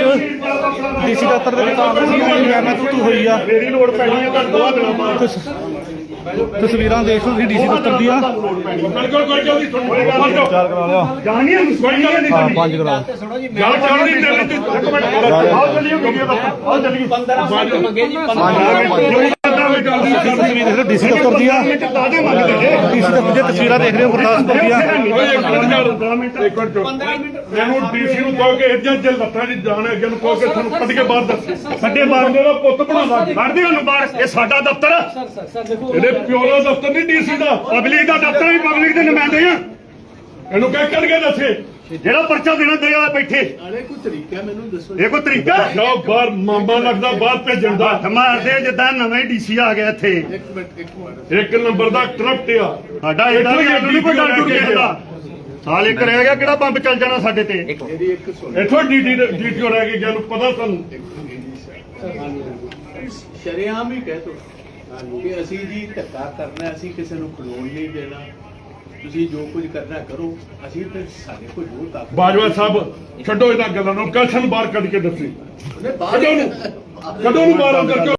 DC ਦਫ਼ਤਰ ਦੇ ਵਿੱਚ ਮੈਂ ਤੂੰ ਹੋਈ ਆ ਮੇਰੀ ਲੋੜ ਪੈਣੀ ਹੈ ਤਾਂ 2 ਦਿਨਾਂ ਬਾਅਦ ਤਸਵੀਰਾਂ ਦੇਖ ਲਓ ਤੁਸੀਂ ਡੀਸੀ ਦਫ਼ਤਰ ਦੀਆਂ। ਬਿਲਕੁਲ ਕੋਈ ਜਲਦੀ ਤੁਹਾਨੂੰ 4 ਕਰਾ ਲਿਆ। ਜਾਣੀ ਹੈ ਕੋਈ ਗੱਲ ਨਹੀਂ 5 ਕਰਾ ਗੱਲ ਚੱਲ ਰਹੀ ਹੈ ਇੱਕ ਮਿੰਟ ਆਓ ਚੱਲੀਏ ਵੀਡੀਓ ਦਾ ਆਓ ਚੱਲੀਏ 15 ਮਿੰਟ ਮੰਗੇ ਜੀ 15 ਤਸਵੀਰ ਦੇਖ ਲਓ ਡੀਸੀ ਦਫ਼ਤਰ ਦੀਆਂ। ਡੀਸੀ ਦਫ਼ਤਰ ਦੀਆਂ ਤਸਵੀਰਾਂ ਦੇਖ ਰਹੇ ਹੋ ਗੁਰਦਾਸਪੁਰ ਦੀਆਂ। ਮੈਨੂੰ ਡੀਸੀ ਨੂੰ ਕਹੋ ਕਿ ਇੱਦਾਂ ਜੇ ਲੱਤਾਂ ਦੀ ਜਾਣ ਅੱਗੇ ਨੂੰ ਕਹੋ ਕਿ ਤੁਹਾਨੂੰ ਕੱਢ ਕੇ ਬਾਹਰ ਦੱਸ ਸਾਡੇ ਬਾਹਰ ਦਾ ਪੁੱਤ ਬਣਾਵਾ ਕੱਢਦੇ ਉਹਨੂੰ ਬਾਹਰ। ਇਹ ਸਾਡਾ ਦਫ਼ਤਰ ਇਹਦੇ ਪਿਓ ਦਾ ਦਫ਼ਤਰ ਨਹੀਂ ਡੀਸੀ ਦਾ ਪਬਲਿਕ ਦਾ ਦਫ਼ਤਰ ਵੀ ਪਬਲਿਕ ਦੇ ਨੁਮਾਇੰਦੇ ਆ। ਇਹਨੂੰ ਕਹਿ ਕੱਢ ਕੇ ਦੱਸੇ ਜਿਹੜਾ ਪਰਚਾ ਦੇਣਾ ਦੇ ਆ ਬੈਠੇ ਕੋਈ ਤਰੀਕਾ ਮੈਨੂੰ ਦੱਸੋ। ਇਹ ਕੋਈ ਤਰੀਕਾ ਜਾਓ ਬਾਹਰ ਮਾਮਾ ਲੱਗਦਾ ਬਾਹਰ ਭੇਜਣ ਦਾ ਹੱਥ ਮਾਰਦੇ ਜਿੱਦਾਂ ਨਵੇਂ ਡੀਸੀ ਆ ਗਿਆ ਇੱਥੇ ਇੱਕ ਮਿੰਟ ਇੱਕ ਨੰਬਰ ਦਾ ਕਰਪਟ ਆ ਸਾਡਾ ਇਹਦਾ ਵੀ ਕੋਈ ਡਰ ਡੁਰ ਗਿਆ ਸਾਲ ਇੱਕ ਰਹਿ ਗਿਆ ਕਿਹੜਾ ਬੰਬ ਚੱਲ ਜਾਣਾ ਸਾਡੇ ਤੇ ਮੇਰੀ ਇੱਕ ਸੁਣ ਇੱਥੋਂ ਡੀਟੀਓ ਰਹਿ ਗਈ ਜਿਹਨੂੰ ਪਤਾ ਸਾਨੂੰ ਸ਼ਰੇਆਮ ਹੀ ਕਹਿ ਤੋ ਕਿ ਅਸੀਂ ਜੀ ਧੱਕਾ ਕਰਨਾ ਅਸੀਂ ਕਿਸੇ ਨੂੰ ਖਲੋਣ ਨਹੀਂ ਦੇਣਾ ਤੁਸੀਂ ਜੋ ਕੁਝ ਕਰਨਾ ਕਰੋ ਅਸੀਂ ਤੇ ਸਾਡੇ ਕੋਲ ਜੋ ਤਾਕਤ ਬਾਜਵਾ ਸਾਹਿਬ ਛੱਡੋ ਇਹਨਾਂ ਗੱਲਾਂ ਨੂੰ ਕਸ਼ਨ ਬਾਹਰ ਕੱਢ ਕੇ ਦੱਸੀ ਉਹਨੇ ਬਾਹਰ ਕਦੋਂ ਨੂੰ ਬਾਹਰ ਅੰਦਰ